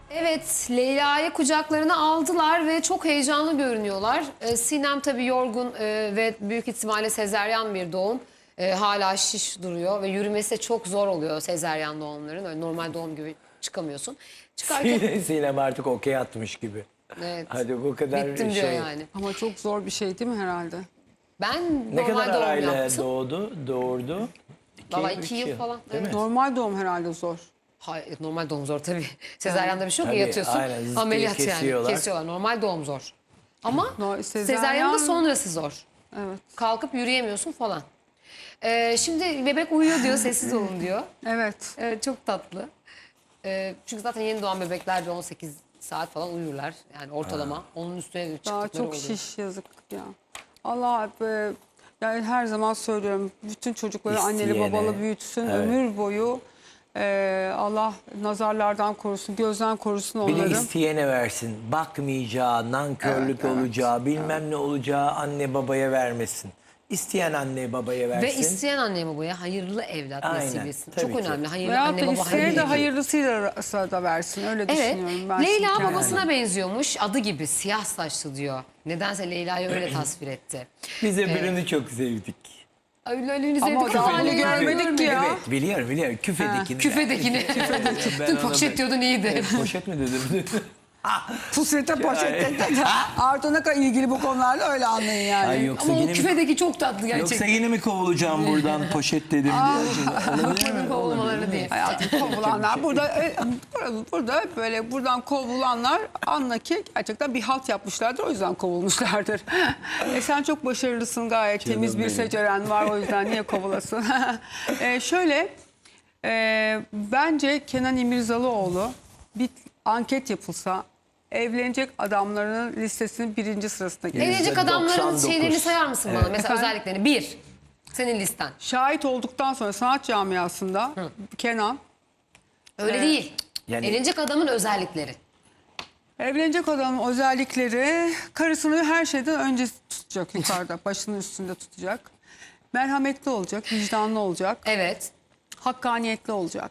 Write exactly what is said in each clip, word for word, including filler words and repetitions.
Evet, Leyla'yı kucaklarına aldılar ve çok heyecanlı görünüyorlar. Ee, Sinem tabii yorgun e, ve büyük ihtimalle sezeryan bir doğum. Ee, hala şiş duruyor ve yürümesi de çok zor oluyor sezeryan doğumların. Öyle normal doğum gibi çıkamıyorsun. Çıkarken Sinem, Sinem artık okey atmış gibi. evet, Hadi bu kadar bittim şey. diyor yani. Ama çok zor bir şey değil mi herhalde? Ben Ne normal kadar doğum arayla yaptım. doğdu, doğurdu? İki, Valla üç iki yıl falan. Değil Evet. mi? Normal doğum herhalde zor. Hayır, normal doğum zor tabii. Sezeryanda bir şey yok Tabii, ya, yatıyorsun. aynen, zıt diye Ameliyat yani. kesiyorlar. Kesiyorlar. Normal doğum zor. Ama No, sezeryanda sezaryen- sonrası zor. Evet. Kalkıp yürüyemiyorsun falan. Ee, şimdi bebek uyuyor diyor, sessiz olun diyor. Evet. Evet, çok tatlı. Ee, çünkü zaten yeni doğan bebekler bir on sekiz saat falan uyurlar. Yani ortalama. Onun üstüne de Daha çıktıkları çok oluyor. şiş yazık ya. Allah e, yani her zaman söylüyorum. Bütün çocukları anneli İsteyene, babalı büyütsün. evet. Ömür boyu e, Allah nazarlardan korusun, gözden korusun Bir de onları. isteyene versin. Bakmayacağı, nankörlük Evet, evet, olacağı, bilmem ne olacağı anne babaya vermesin. İsteyen anne babaya versin. Ve isteyen anne babaya hayırlı evlat Aynen, nasip etsin. tabii Çok ki. önemli. Hayırlı Veyahut anne da baba isteyene de hayırlı. hayırlısıyla da versin. Öyle Evet. düşünüyorum ben. Leyla şimdi babasına kendime. benziyormuş. Adı gibi siyah saçlı diyor. Nedense Leyla'yı öyle tasvir etti. Biz öbürünü çok sevdik. Öyle öyle Ama sevdik o ama da hala onu görmedik ki ya. Evet, biliyorum biliyorum. Küfedekini. Küfedekini. Ben Dün ona poşet bak- diyordun iyiydi. Poşet mi dedim? Pusete poşette. Artı ne kadar ilgili bu konularla öyle anlayın yani. Ay yoksa Ama o yine mi, küfedeki çok tatlı yoksa gerçekten. yine mi kovulacağım buradan poşet dedim diye. Olabilir mi? Kovulmaları değil. Hayatım kovulanlar burada e, burada- burada böyle buradan kovulanlar anla ki gerçekten bir halt yapmışlardır, o yüzden kovulmuşlardır. E sen çok başarılısın, gayet Canım temiz bir benim. seceren var, o yüzden niye kovulasın? e, şöyle e, bence Kenan İmirzalıoğlu bir anket yapılsa evlenecek adamların listesinin birinci sırasına gelir. Evlenecek adamların doksan dokuz. şeylerini sayar mısın bana? Mesela Efendim? özelliklerini. Bir, senin listen. Şahit olduktan sonra sanat camiasında Kenan Öyle değil. Yani- Evlenecek adamın özellikleri. evlenecek adamın özellikleri, karısını her şeyden önce tutacak yukarıda, başının üstünde tutacak. Merhametli olacak, vicdanlı olacak, Evet. hakkaniyetli olacak.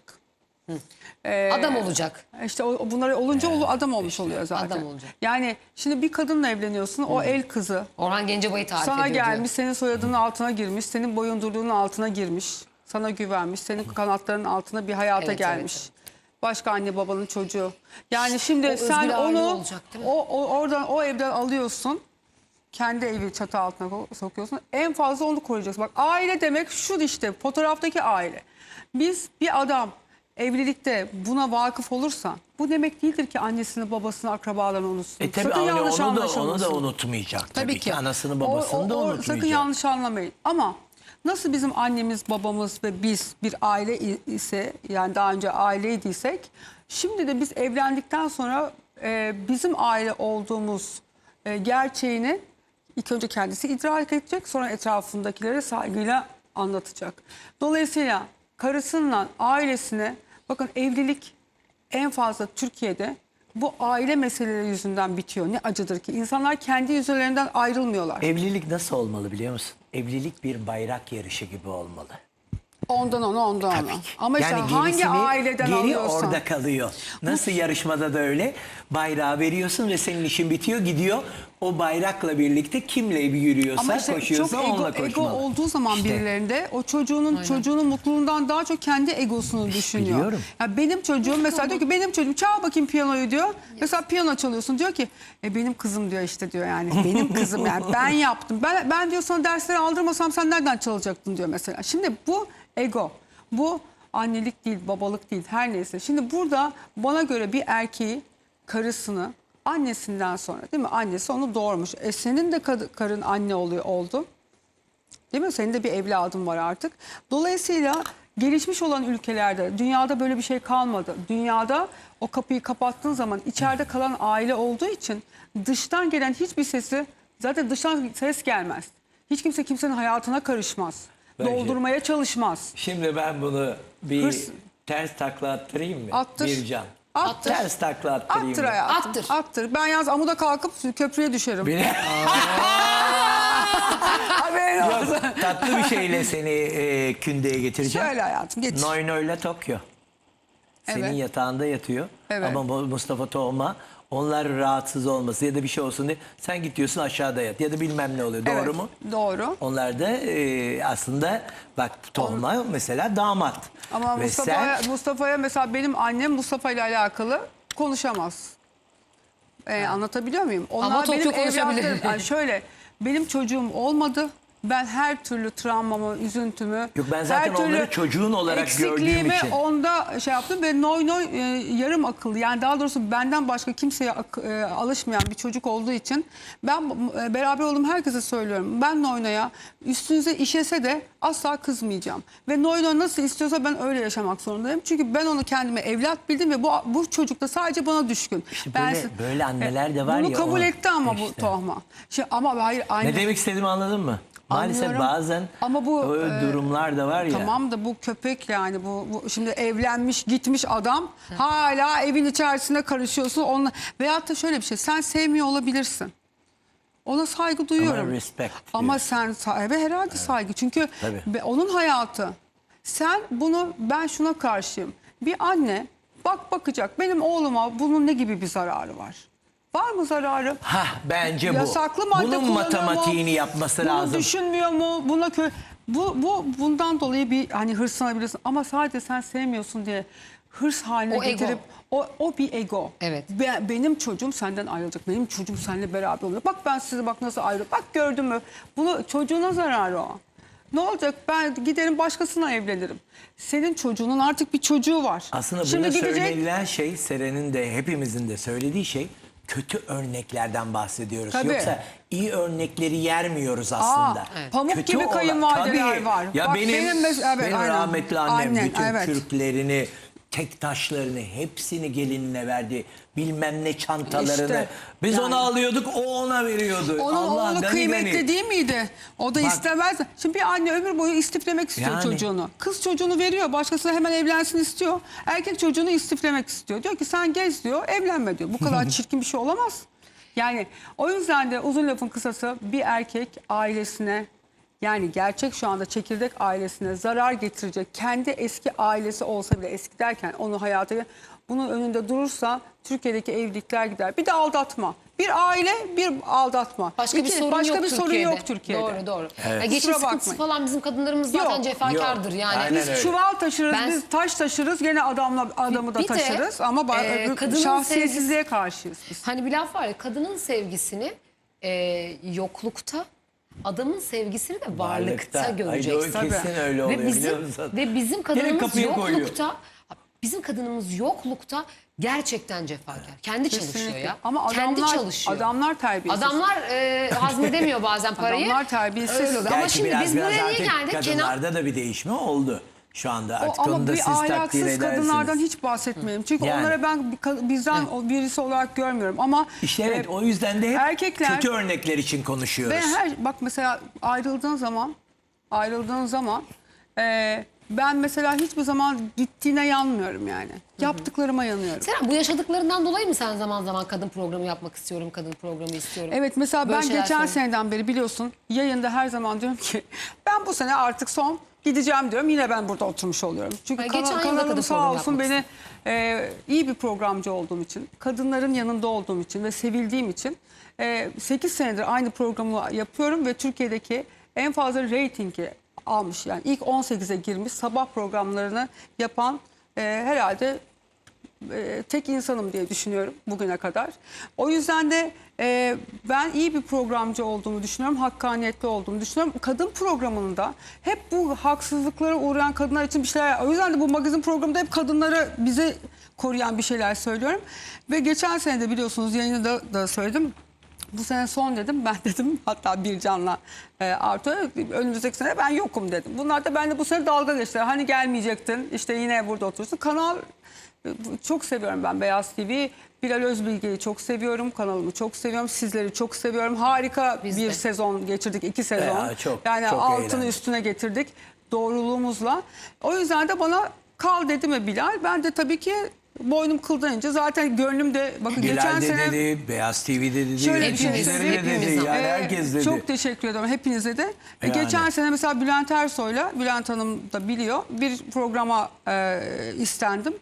Adam olacak. İşte o, bunları olunca o adam olmuş oluyor zaten. adam olacak. Yani şimdi bir kadınla evleniyorsun, o el kızı Orhan Gencebay'ı tarif sana ediyor gelmiş, diyor. senin soyadının altına girmiş, senin boyundurluğunun altına girmiş, sana güvenmiş, senin kanatlarının altına bir hayata Evet, gelmiş. evet, Başka anne babanın çocuğu. Yani şimdi o sen özgür aile onu olacak, değil mi? o, o oradan o evden alıyorsun. Kendi evi çatı altına ko- sokuyorsun. En fazla onu koruyacaksın. Bak, aile demek şu işte, fotoğraftaki aile. Biz bir adam evlilikte buna vakıf olursa bu demek değildir ki annesini, babasını, akrabalarını unutsun. E tabii Sakın onu, yanlış onu da, onu anlaşılmasın. da unutmayacak tabii, ki. Anasını O- babasını da o- o- unutmayacak. Sakın yanlış anlamayın. Ama nasıl bizim annemiz, babamız ve biz bir aile i- ise, yani daha önce aileydiysek, şimdi de biz evlendikten sonra e, bizim aile olduğumuz e, gerçeğini ilk önce kendisi idrak edecek, sonra etrafındakilere saygıyla anlatacak. Dolayısıyla karısıyla ailesine, bakın, evlilik en fazla Türkiye'de bu aile meseleleri yüzünden bitiyor. Ne acıdır ki insanlar kendi yüzlerinden ayrılmıyorlar. Evlilik nasıl olmalı biliyor musun? Evlilik bir bayrak yarışı gibi olmalı. Ondan ona, ondan ona. Tabii ki. Ama işte Yani hangi gerisini- aileden geri alıyorsan. orada kalıyor. Nasıl yarışmada da öyle. Bayrağı veriyorsun ve senin işin bitiyor, gidiyor. O bayrakla birlikte kimle yürüyorsa, Ama işte koşuyorsa çok ego, onunla ego koşmalı. olduğu zaman İşte. birilerinde o çocuğunun çocuğunun mutluluğundan daha çok kendi egosunu düşünüyor. biliyorum. Ya benim çocuğum mesela diyor ki, benim çocuğum çal bakayım piyanoyu diyor. Mesela piyano çalıyorsun, diyor ki e benim kızım diyor, işte diyor, yani benim kızım, yani ben yaptım. Ben ben diyor sana dersleri aldırmasam sen nereden çalacaktın diyor mesela. Şimdi bu ego. Bu annelik değil, babalık değil, her neyse. Şimdi burada bana göre bir erkeği, karısını, annesinden sonra, değil mi? Annesi onu doğurmuş. E senin de kad- karın anne oluyor oldu. Değil mi? Senin de bir evladın var artık. Dolayısıyla gelişmiş olan ülkelerde, dünyada böyle bir şey kalmadı. Dünyada o kapıyı kapattığın zaman içeride kalan aile olduğu için dıştan gelen hiçbir sesi, zaten dıştan ses gelmez. Hiç kimse kimsenin hayatına karışmaz. Belki. Doldurmaya çalışmaz. Şimdi ben bunu bir Hırs- ters takla attırayım mı? Attır. Bir can. Attır. Ters takla attırayım Attır mı? hayatım. Attır. Attır. Ben yalnız amuda kalkıp köprüye düşerim. Beni... Haberin olsun. Yok, tatlı bir şeyle seni e, kündeye getireceğim. Söyle hayatım, getir. Noy Noy'la Tokyo. senin Evet. yatağında yatıyor. Evet. Ama bu Mustafa Toğma onlar rahatsız olması ya da bir şey olsun diye sen git diyorsun aşağıda yat ya da bilmem ne oluyor. Doğru Evet, mu? Doğru. Onlar da e, aslında bak Toğma mesela damat. Ama Ve Mustafa'ya sen- Mustafa'ya mesela benim annem Mustafa ile alakalı konuşamaz. Ee, anlatabiliyor muyum? Onlar Ama Tokyo benim konuşabilir. evlatlarım. Yani şöyle benim çocuğum olmadı. Ben her türlü travmamı, üzüntümü, Yok, ben zaten her türlü onları çocuğun olarak gördüğüm eksikliğimi için. onda şey yaptım ve noy noy e, yarım akıllı. Yani daha doğrusu benden başka kimseye ak- e, alışmayan bir çocuk olduğu için ben e, beraber olduğum herkese söylüyorum. Ben Noyno'ya üstünüze işese de asla kızmayacağım. Ve Noyno nasıl istiyorsa ben öyle yaşamak zorundayım. Çünkü ben onu kendime evlat bildim ve bu bu çocuk da sadece bana düşkün. İşte Ben böyle- siz- böyle anneler de var bunu ya, kabul onu- etti ama bu işte. Tohma. Şey, ama hayır anne. Ne demek istediğimi anladın mı? Maalesef Anlıyorum. bazen Ama bu, o e, durumlar da var ya. Tamam da bu köpek yani bu, bu şimdi evlenmiş gitmiş adam hala evin içerisine karışıyorsun onunla veyahut da şöyle bir şey sen sevmiyor olabilirsin. Ona saygı duyuyorum. respect Ama diyor. sen sahibi herhalde saygı çünkü Tabii. be- onun hayatı. Sen bunu ben şuna karşıyım. Bir anne bak bakacak benim oğluma bunun ne gibi bir zararı var? Var mı zararı? Hah, bence bu. Yasaklı madde Bunun kullanıyor matematiğini mu? yapması Bunu lazım. düşünmüyor mu? Buna kö bu bu bundan dolayı bir hani hırslanabilirsin ama sadece sen sevmiyorsun diye hırs haline O ego. getirip o o bir ego. Evet. Be- benim çocuğum senden ayrılacak. Benim çocuğum seninle beraber olacak. Bak ben sizi bak nasıl ayrı. Bak gördün mü? Bunu çocuğuna zararı o. Ne olacak? Ben giderim başkasına evlenirim. Senin çocuğunun artık bir çocuğu var. Aslında Şimdi burada gidecek söylenilen şey, Seren'in de hepimizin de söylediği şey, kötü örneklerden bahsediyoruz. Tabii. Yoksa iyi örnekleri yermiyoruz aslında. Aa, pamuk gibi olan- kayınvalideler Tabii. var. Ya Bak benim, benim mes- evet, benim aynen. rahmetli annem Annen, bütün evet. kürklerini, tek taşlarını hepsini gelinine verdi. Bilmem ne çantalarını. İşte, Biz yani. ona alıyorduk, o ona veriyordu. Onun Allah, oğlu gani kıymetli gani. değil miydi? O da Bak- istemez. Şimdi bir anne ömür boyu istiflemek istiyor Yani. çocuğunu. Kız çocuğunu veriyor. Başkasına hemen evlensin istiyor. Erkek çocuğunu istiflemek istiyor. Diyor ki sen gez diyor, evlenme diyor. Bu kadar çirkin bir şey olamaz. Yani o yüzden de uzun lafın kısası bir erkek ailesine yani gerçek şu anda çekirdek ailesine zarar getirecek kendi eski ailesi olsa bile eski derken onu hayata bunun önünde durursa Türkiye'deki evlilikler gider. Bir de aldatma. Bir aile bir aldatma. Başka bir İki- sorun başka yok bir Türkiye'de. sorun yok Türkiye'de. Doğru doğru. Evet. Ya geçim Kusura sıkıntısı bakmayın. falan bizim kadınlarımız zaten Yok. cefakardır Yok. yani. Aynen Biz öyle. çuval taşırız, Ben- biz taş taşırız, gene adamla adamı da Bir de, taşırız ama ba- e, öbür- kadının şahsiyetsizliğe karşıyız biz. Hani bir laf var ya kadının sevgisini e, yoklukta adamın sevgisini de varlıkta, Varlıkta. Ay, göreceksin. doğru, kesin Tabii. öyle oluyor Ve bizim, biliyor musun? ve bizim Direkt kadınımız kapıya koyuyor. yoklukta bizim kadınımız yoklukta gerçekten cefakar. Kendi çalışıyor Kesinlikle. ya. Ama Kendi adamlar, çalışıyor. adamlar terbiyesiz. Adamlar e, hazmedemiyor bazen parayı. Adamlar terbiyesiz. Öyle oluyor. Ama Gerçi şimdi biraz biz biraz buraya niye artık geldik? Kenan kadınlarda da bir değişme oldu. Şu anda O, artık ama onu da bir siz takdir ahlaksız edersiniz. kadınlardan hiç bahsetmeyelim. Çünkü Yani. onlara ben bir ka- bizden o birisi olarak görmüyorum. Ama İşte evet e, o yüzden de hep erkekler- kötü örnekler için konuşuyoruz. ve her bak mesela ayrıldığın zaman ayrıldığın zaman e, ben mesela hiçbir zaman gittiğine yanmıyorum yani. Yaptıklarıma yanıyorum. Seren bu yaşadıklarından dolayı mı sen zaman zaman kadın programı yapmak istiyorum, kadın programı istiyorum? Evet mesela Böyle ben şeyler geçen söyle- seneden beri biliyorsun yayında her zaman diyorum ki ben bu sene artık son gideceğim diyorum. Yine ben burada oturmuş oluyorum. Çünkü Ha, kana- geçen yıl da kanalım kadın sağ programı olsun yapmak beni e, iyi bir programcı olduğum için, kadınların yanında olduğum için ve sevildiğim için e, sekiz senedir aynı programı yapıyorum ve Türkiye'deki en fazla reytingi almış. Yani ilk on sekize girmiş sabah programlarını yapan e, herhalde e, tek insanım diye düşünüyorum bugüne kadar. O yüzden de e, ben iyi bir programcı olduğumu düşünüyorum. Hakkaniyetli olduğumu düşünüyorum. Kadın programında hep bu haksızlıklara uğrayan kadınlar için bir şeyler... O yüzden de bu magazin programında hep kadınları bize koruyan bir şeyler söylüyorum. Ve geçen sene de biliyorsunuz yayında da söyledim. Bu sene son dedim. Ben dedim hatta Bircan'la e, Artu'ya önümüzdeki sene ben yokum dedim. Bunlar da benimle bu sene dalga geçtiler. Hani gelmeyecektin işte yine burada oturursun. Kanal çok seviyorum ben Beyaz T V. Bilal Özbilge'yi çok seviyorum. Kanalımı çok seviyorum. Sizleri çok seviyorum. Harika Biz bir de. sezon geçirdik. iki sezon. Ya, çok, yani çok altını eğlendik. üstüne getirdik. Doğruluğumuzla. O yüzden de bana kal dedi mi Bilal? Ben de tabii ki boynum kıldan ince. Zaten gönlüm de bakın Bilal geçen de sene... dedi, Beyaz T V'de dedi, Şöyle bir şey yöneticileri de söyleyeyim. dedi, Hepimiz yani Ee, herkes dedi. Çok teşekkür ederim hepinize de. Ee, Yani. Geçen sene mesela Bülent Ersoy'la, Bülent Hanım da biliyor, bir programa e, istendim.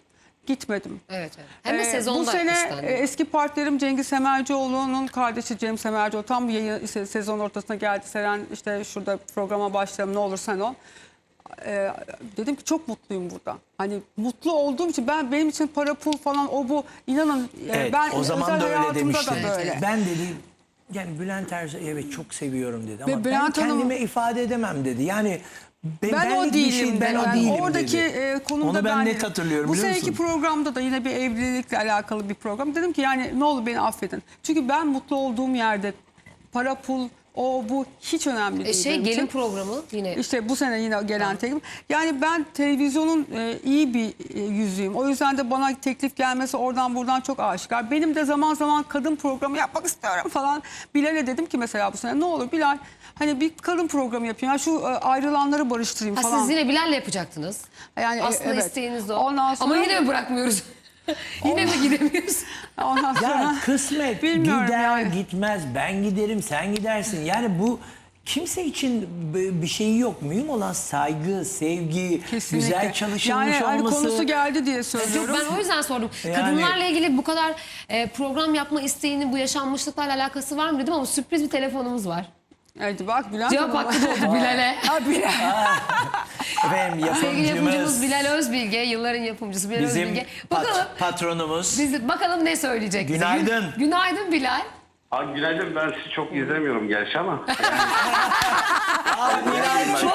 Gitmedim. Evet, evet. Hem de Ee, sezonda Bu sene istendi. e, eski partnerim Cengiz Semercioğlu'nun kardeşi Cem Semercioğlu tam bir yayın, işte sezon ortasına geldi. Seren işte şurada programa başlayalım ne olur sen ol. Ee, dedim ki çok mutluyum burada. Hani mutlu olduğum için ben benim için para pul falan o bu inanın e, Evet, ben o zaman özel da öyle hayatımda demiştin. da böyle. Ben dedi yani Bülent Ersoy evet çok seviyorum dedi ama Ve Bülent ben Hanım- kendime ifade edemem dedi. Yani be- Ben benlik o bir değilim. şey, ben yani o değilim oradaki dedi. e, konumda Onu ben, ben net değilim. hatırlıyorum Bu biliyor seneki musun? programda da yine bir evlilikle alakalı bir program. Dedim ki yani ne olur beni affedin. Çünkü ben mutlu olduğum yerde para pul o bu hiç önemli E, değil. şey benim gelin için. programı yine. İşte bu sene yine gelen teklif. Yani ben televizyonun e, iyi bir e, yüzüyüm. O yüzden de bana teklif gelmesi oradan buradan çok aşikar. Benim de zaman zaman kadın programı yapmak istiyorum falan. Bilal'e dedim ki mesela bu sene ne olur Bilal hani bir kadın programı yapayım. Yani şu e, ayrılanları barıştırayım Ha, falan. siz yine Bilal'le yapacaktınız. Yani, e, Aslında evet. isteğiniz de o. Ondan sonra- Ama yine mi bırakmıyoruz? Yine mi gidemiyoruz? Ondan sonra Ya kısmet Bilmiyorum gider yani. gitmez ben giderim sen gidersin. Yani bu kimse için b- bir şeyi yok. Mühim olan saygı, sevgi, kesinlikle. güzel çalışılmış yani, hani olması. konusu geldi diye Yok, söylüyorum. ben o yüzden sordum. Yani- Kadınlarla ilgili bu kadar e, program yapma isteğinin bu yaşanmışlıklarla alakası var mı dedim ama sürpriz bir telefonumuz var. Hadi bak Bülent Cevap Hanım. hakkı doğdu Bilal'e. Ha, Bilal. Efendim Sevgili yapımcımız yapımcımız Bilal Özbilge, yılların yapımcısı Bilal bizim Özbilge. pat- Bakalım, patronumuz. biz, bakalım ne söyleyecek bize. Günaydın. Gün- Günaydın Bilal. Abi günaydın, ben sizi çok izlemiyorum gerçi ama. Bilal